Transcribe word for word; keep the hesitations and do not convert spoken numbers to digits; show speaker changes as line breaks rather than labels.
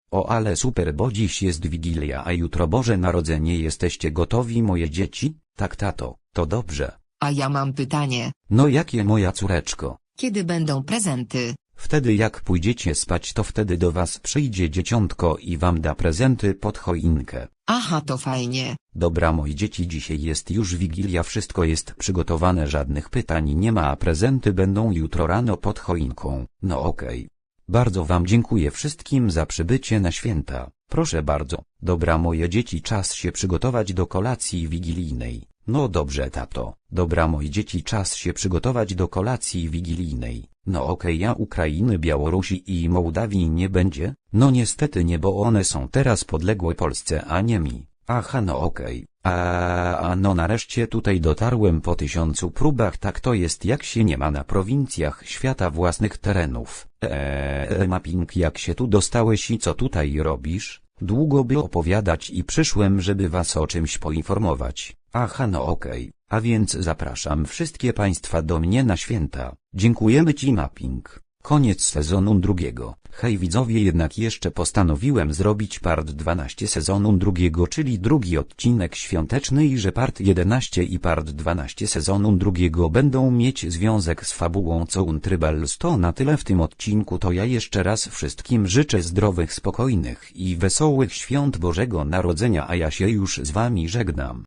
O ale super, bo dziś jest Wigilia, a jutro Boże Narodzenie. Jesteście gotowi, moje dzieci? Tak, tato, to dobrze.
A ja mam pytanie.
No jakie, moja córeczko?
Kiedy będą prezenty?
Wtedy jak pójdziecie spać, to wtedy do was przyjdzie dzieciątko i wam da prezenty pod choinkę.
Aha, to fajnie.
Dobra, moje dzieci, dzisiaj jest już Wigilia, wszystko jest przygotowane, żadnych pytań nie ma, a prezenty będą jutro rano pod choinką. No okej. Bardzo wam dziękuję wszystkim za przybycie na święta. Proszę bardzo. Dobra, moje dzieci, czas się przygotować do kolacji wigilijnej. No dobrze, tato. Dobra, moje dzieci, czas się przygotować do kolacji wigilijnej. No okej, a Ukrainy, Białorusi i Mołdawii nie będzie? No niestety nie, bo one są teraz podległe Polsce, a nie mi. Aha, no okej. A, a no nareszcie tutaj dotarłem po tysiącu próbach. Tak to jest, jak się nie ma na prowincjach świata własnych terenów. Eee, mapping, jak się tu dostałeś i co tutaj robisz? Długo by opowiadać i przyszłem, żeby was o czymś poinformować. Aha, no okej. A więc zapraszam wszystkie państwa do mnie na święta. Dziękujemy ci, mapping. Koniec sezonu drugiego. Hej widzowie, jednak jeszcze postanowiłem zrobić part dwanaście sezonu drugiego, czyli drugi odcinek świąteczny, i że part jedenaście i part dwanaście sezonu drugiego będą mieć związek z fabułą co Untrybals. To na tyle w tym odcinku, to ja jeszcze raz wszystkim życzę zdrowych, spokojnych i wesołych świąt Bożego Narodzenia, a ja się już z wami żegnam.